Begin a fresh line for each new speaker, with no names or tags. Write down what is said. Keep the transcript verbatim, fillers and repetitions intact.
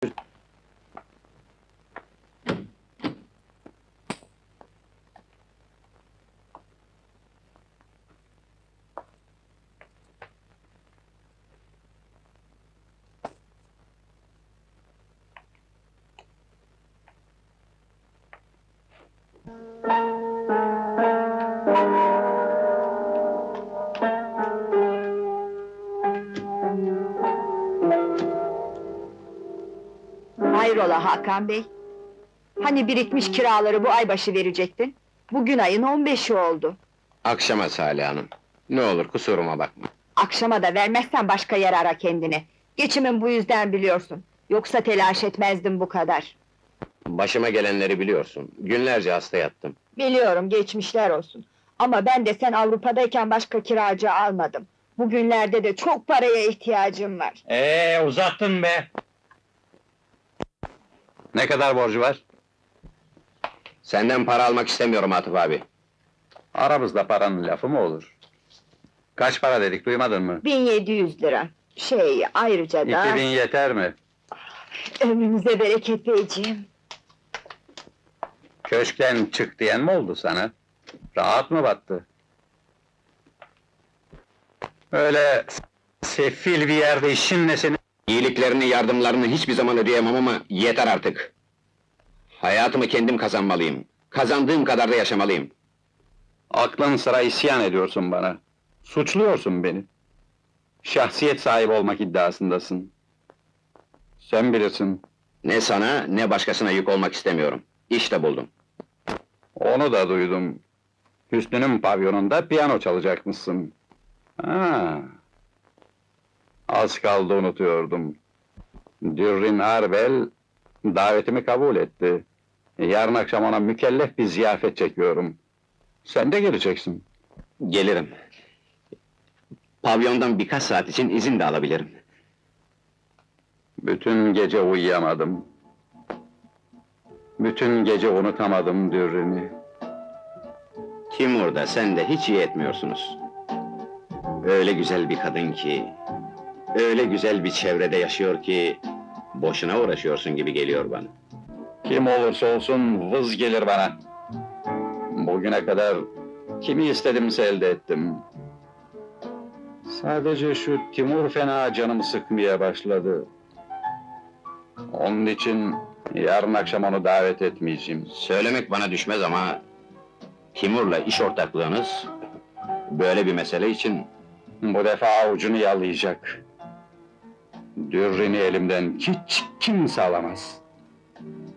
Hayrola Hakan Bey? Hani birikmiş kiraları bu ay başı verecektin? Bugün ayın on beşi oldu.
Akşama Salih Hanım. Ne olur kusuruma bakma.
Akşama da vermezsen başka yer ara kendine. Geçimin bu yüzden biliyorsun. Yoksa telaş etmezdim bu kadar.
Başıma gelenleri biliyorsun. Günlerce hasta yattım.
Biliyorum, geçmişler olsun. Ama ben de sen Avrupa'dayken başka kiracı almadım. Bugünlerde de çok paraya ihtiyacım var.
Ee, uzattın be! Ne kadar borcu var?
Senden para almak istemiyorum Atıf abi.
Aramızda paranın lafı mı olur? Kaç para dedik, duymadın mı?
bin yedi yüz lira. Şey, ayrıca da...
İki bin yeter mi?
Ömrünüze bereket beyciğim.
Köşkten çık diyen mi oldu sana? Rahat mı battı? Öyle sefil bir yerde işin ne senin?
İyiliklerini, yardımlarını hiçbir zaman ödeyemem ama yeter artık. Hayatımı kendim kazanmalıyım. Kazandığım kadar da yaşamalıyım.
Aklın sıra isyan ediyorsun bana. Suçluyorsun beni. Şahsiyet sahibi olmak iddiasındasın. Sen bilirsin.
Ne sana, ne başkasına yük olmak istemiyorum. İşte buldum.
Onu da duydum. Hüsnü'nün pavyonunda piyano çalacakmışsın. Ha. Az kaldı unutuyordum. Dürrin Arbel davetimi kabul etti. Yarın akşam ona mükellef bir ziyafet çekiyorum. Sen de geleceksin.
Gelirim. Pavyondan birkaç saat için izin de alabilirim.
Bütün gece uyuyamadım. Bütün gece unutamadım Dürrin'i.
Timur'da sen de hiç iyi etmiyorsunuz. Öyle güzel bir kadın ki... Öyle güzel bir çevrede yaşıyor ki... Boşuna uğraşıyorsun gibi geliyor bana.
Kim olursa olsun vız gelir bana. Bugüne kadar kimi istedimse elde ettim. Sadece şu Timur fena canımı sıkmaya başladı. Onun için yarın akşam onu davet etmeyeceğim.
Söylemek bana düşmez ama... Timur'la iş ortaklığınız... Böyle bir mesele için...
Bu defa avucunu yalayacak. Dürrini elimden hiç kimse alamaz.